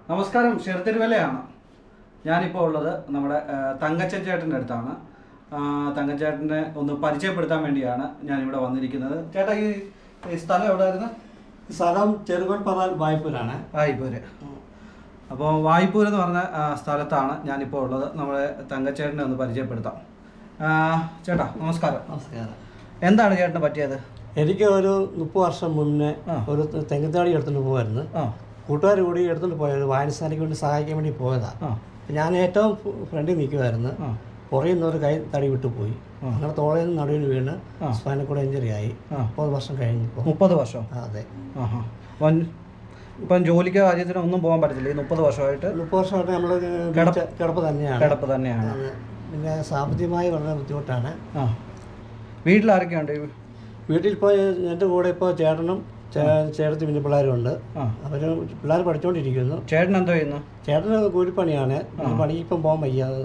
നമസ്കാരം, ഷെർത്തിരുവലയാണ്. ഞാനിപ്പോൾ ഉള്ളത് നമ്മുടെ തങ്കച്ചൻ ചേട്ടൻ്റെ അടുത്താണ്. തങ്കച്ചേട്ടനെ ഒന്ന് പരിചയപ്പെടുത്താൻ വേണ്ടിയാണ് ഞാനിവിടെ വന്നിരിക്കുന്നത്. ചേട്ടാ, ഈ സ്ഥലം എവിടെയായിരുന്നു? സ്ഥലം ചെറുകോൽപ്പറ വായ്പൂരാണ്. വായ്പൂര്. അപ്പോൾ വായ്പൂർ എന്ന് പറഞ്ഞ സ്ഥലത്താണ് ഞാനിപ്പോൾ ഉള്ളത്. നമ്മുടെ തങ്കച്ചേട്ടനെ ഒന്ന് പരിചയപ്പെടുത്താം. ചേട്ടാ നമസ്കാരം. നമസ്കാരം. എന്താണ് ചേട്ടന് പറ്റിയത്? എനിക്ക് ഒരു 30 വർഷം മുന്നേ ഒരു തെങ്ങത്താടി എടുത്തുകൊണ്ട് പോകുമായിരുന്നു. കൂട്ടുകാർ കൂടി എടുത്തുകൊണ്ട് പോയത് വായനശാലയ്ക്ക് വേണ്ടി സഹായിക്കാൻ വേണ്ടി പോയതാണ്. ഞാൻ ഏറ്റവും ഫ്രണ്ടിൽ നിൽക്കുമായിരുന്നു. പുറകിൽ നിന്നൊരു കൈ തടി വിട്ടുപോയി. അങ്ങനെ തോളയിൽ നിന്ന് നടുവിന് വീണ് സ്പൈനൽ കോഡ് ഇഞ്ചറി ആയി. 30 വർഷം കഴിഞ്ഞപ്പോൾ. 30 വർഷം? അതെ. ഇപ്പം ജോലിക്ക് കാര്യത്തിന് ഒന്നും പോകാൻ പറ്റത്തില്ല. ഈ 30 വർഷമായിട്ട് 30 വർഷമായിട്ട് നമ്മൾ കിടപ്പ് തന്നെയാണ്. പിന്നെ സാമ്പത്തികമായി വളരെ ബുദ്ധിമുട്ടാണ്. വീട്ടിലാരൊക്കെയുണ്ട്? വീട്ടിൽ ഇപ്പോൾ എൻ്റെ കൂടെ ഇപ്പോൾ ചേട്ടനും ചേട്ടത്തി പിന്നെ പിള്ളേരുണ്ട്. അവർ പിള്ളേർ പഠിച്ചുകൊണ്ടിരിക്കുന്നു. ചേട്ടൻ എന്തോ ചെയ്യുന്നു? ചേട്ടന് കൂലിപ്പണിയാണ്. പണിക്ക് ഇപ്പം പോകാൻ വയ്യാതെ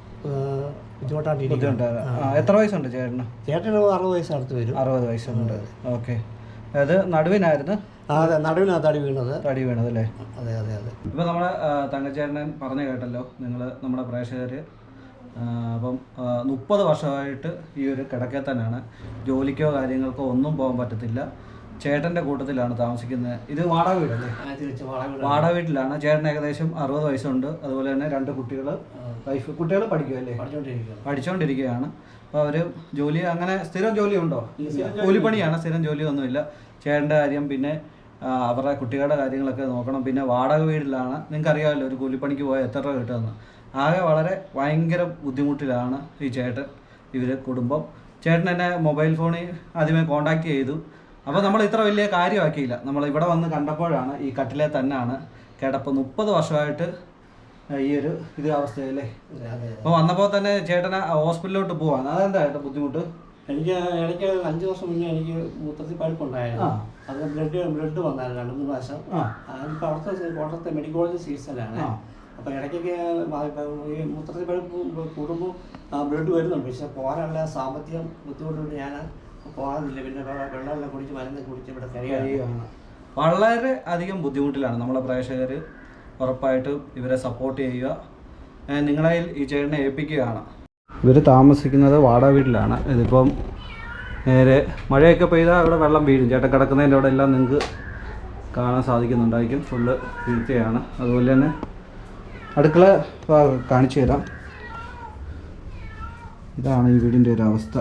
ബുദ്ധിമുട്ടായിട്ടിരിക്കുന്നു. എത്ര വയസ്സുണ്ട് ചേട്ടന്? ചേട്ടന് 60 വയസ്സ് അടുത്ത് വരും. 60 വയസ്സുണ്ട്. ഓക്കെ. അത് നടുവിനായിരുന്നു? അതെ, നടുവിനാണ് തടി വീണത്. അല്ലേ? അതെ അതെ അതെ. ഇപ്പം നമ്മുടെ തങ്കച്ചേട്ടൻ പറഞ്ഞു കേട്ടല്ലോ നിങ്ങൾ, നമ്മുടെ പ്രേക്ഷകർ. അപ്പം 30 വർഷമായിട്ട് ഈ ഒരു കിടക്കയിൽ തന്നെയാണ്. ജോലിക്കോ കാര്യങ്ങൾക്കോ ഒന്നും പോകാൻ പറ്റത്തില്ല. ചേട്ടൻ്റെ കൂട്ടത്തിലാണ് താമസിക്കുന്നത്. ഇത് വാടക വീടല്ലേ? വാടക വീട്ടിലാണ്. ചേട്ടൻ ഏകദേശം 60 വയസ്സുണ്ട്. അതുപോലെ തന്നെ 2 കുട്ടികൾ, വൈഫ്. കുട്ടികൾ പഠിക്കുമല്ലേ? പഠിച്ചുകൊണ്ടിരിക്കുകയാണ്. അപ്പോൾ അവർ ജോലി, അങ്ങനെ സ്ഥിരം ജോലി ഉണ്ടോ? കൂലിപ്പണിയാണ്, സ്ഥിരം ജോലിയൊന്നുമില്ല. ചേട്ടൻ്റെ കാര്യം, പിന്നെ അവരുടെ കുട്ടികളുടെ കാര്യങ്ങളൊക്കെ നോക്കണം. പിന്നെ വാടക വീട്ടിലാണ്. നിങ്ങൾക്കറിയാമല്ലോ ഒരു കൂലിപ്പണിക്ക് പോയാൽ എത്ര രൂപ കിട്ടുമെന്ന്. ആകെ ഭയങ്കര ബുദ്ധിമുട്ടിലാണ് ഈ ചേട്ടൻ, ഇവർ കുടുംബം. ചേട്ടൻ എന്നെ മൊബൈൽ ഫോണിൽ ആദ്യമേ കോണ്ടാക്ട് ചെയ്തു. അപ്പോൾ നമ്മൾ ഇത്ര വലിയ കാര്യമാക്കിയില്ല. നമ്മൾ ഇവിടെ വന്ന് കണ്ടപ്പോഴാണ് ഈ കട്ടിലെ തന്നെയാണ് കിടപ്പ്. 30 വർഷമായിട്ട് ഈ ഒരു അവസ്ഥയല്ലേ? അപ്പോൾ വന്നപ്പോൾ തന്നെ ചേട്ടനെ ഹോസ്പിറ്റലിലോട്ട് പോവാണ്. അതെന്താ ചേട്ടാ ബുദ്ധിമുട്ട്? എനിക്ക് 5 വർഷം മുന്നേ എനിക്ക് മൂത്രത്തിൽ പഴുപ്പുണ്ടായിരുന്നു. അത് ബ്ലഡ് വന്നായിരുന്നു 2-3 പ്രാവശ്യം. അതിപ്പോൾ കോട്ടയത്തെ മെഡിക്കൽ കോളേജ് ചികിത്സയിലാണ്. അപ്പോൾ ഇടയ്ക്കൊക്കെ ഈ മൂത്രത്തിൽ പഴുപ്പ് കൂടുമ്പോൾ ബ്ലഡ് വരുന്നുണ്ട്. പക്ഷെ പോകാനുള്ള സാമ്പത്തികം ബുദ്ധിമുട്ടുണ്ട്. ഞാൻ പോകാറില്ല. പിന്നെ വെള്ളമെല്ലാം കുടിച്ച് മരുന്ന് കുടിച്ച് ഇവിടെ കഴിയുകയാണ്. വളരെ അധികം ബുദ്ധിമുട്ടിലാണ് നമ്മളെ പ്രേക്ഷകർ. ഉറപ്പായിട്ടും ഇവരെ സപ്പോർട്ട് ചെയ്യുക. നിങ്ങളെ ഈ ചേട്ടനെ ഏൽപ്പിക്കുകയാണ്. ഇവർ താമസിക്കുന്നത് വാടക വീട്ടിലാണ്. ഇതിപ്പം നേരെ മഴയൊക്കെ പെയ്താൽ ഇവിടെ വെള്ളം വീഴും. ചേട്ടൻ കിടക്കുന്നതിൻ്റെ അവിടെ എല്ലാം നിങ്ങൾക്ക് കാണാൻ സാധിക്കുന്നുണ്ടായിരിക്കും. ഫുള്ള് വീഴ്ചയാണ്. അതുപോലെ തന്നെ അടുക്കള കാണിച്ചു തരാം. ഇതാണ് ഈ വീടിൻ്റെ ഒരു അവസ്ഥ.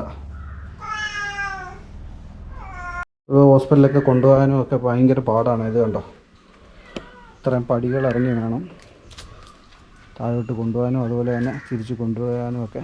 ഹോസ്പിറ്റലിലൊക്കെ കൊണ്ടുപോകാനും ഒക്കെ ഭയങ്കര പാടാണ്. ഇത് കണ്ടോ, ഇത്രയും പടികൾ ഇറങ്ങി വേണം താഴോട്ട് കൊണ്ടുപോകാനും അതുപോലെ തന്നെ തിരിച്ച് കൊണ്ടുപോകാനും ഒക്കെ.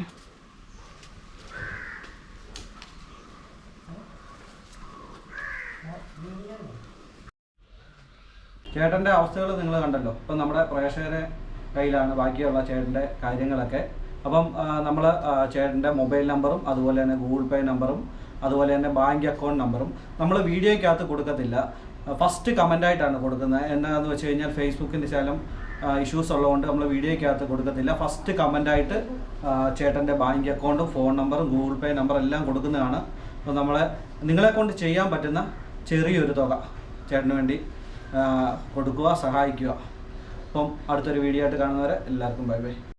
ചേട്ടൻ്റെ അവസ്ഥകൾ നിങ്ങൾ കണ്ടല്ലോ. ഇപ്പം നമ്മുടെ പ്രേക്ഷകരെ കയ്യിലാണ് ബാക്കിയുള്ള ചേട്ടൻ്റെ കാര്യങ്ങളൊക്കെ. അപ്പം നമ്മൾ ചേട്ടൻ്റെ മൊബൈൽ നമ്പറും അതുപോലെ തന്നെ ഗൂഗിൾ പേ നമ്പറും അതുപോലെ തന്നെ ബാങ്ക് അക്കൗണ്ട് നമ്പറും നമ്മൾ വീഡിയോയ്ക്കകത്ത് കൊടുക്കത്തില്ല. ഫസ്റ്റ് കമൻ്റായിട്ടാണ് കൊടുക്കുന്നത്. എന്നാന്ന് വെച്ച് കഴിഞ്ഞാൽ ഫേസ്ബുക്കിൻ്റെ ശകലം ഇഷ്യൂസ് ഉള്ളതുകൊണ്ട് നമ്മൾ വീഡിയോയ്ക്കകത്ത് കൊടുക്കത്തില്ല. ഫസ്റ്റ് കമൻ്റായിട്ട് ചേട്ടൻ്റെ ബാങ്ക് അക്കൗണ്ടും ഫോൺ നമ്പറും ഗൂഗിൾ പേ നമ്പറും എല്ലാം കൊടുക്കുന്നതാണ്. അപ്പോൾ നിങ്ങളെ കൊണ്ട് ചെയ്യാൻ പറ്റുന്ന ചെറിയൊരു തുക ചേട്ടന് വേണ്ടി കൊടുക്കുക, സഹായിക്കുക. അപ്പം അടുത്തൊരു വീഡിയോ ആയിട്ട് കാണുന്നവരെ എല്ലാവർക്കും ബൈ ബൈ.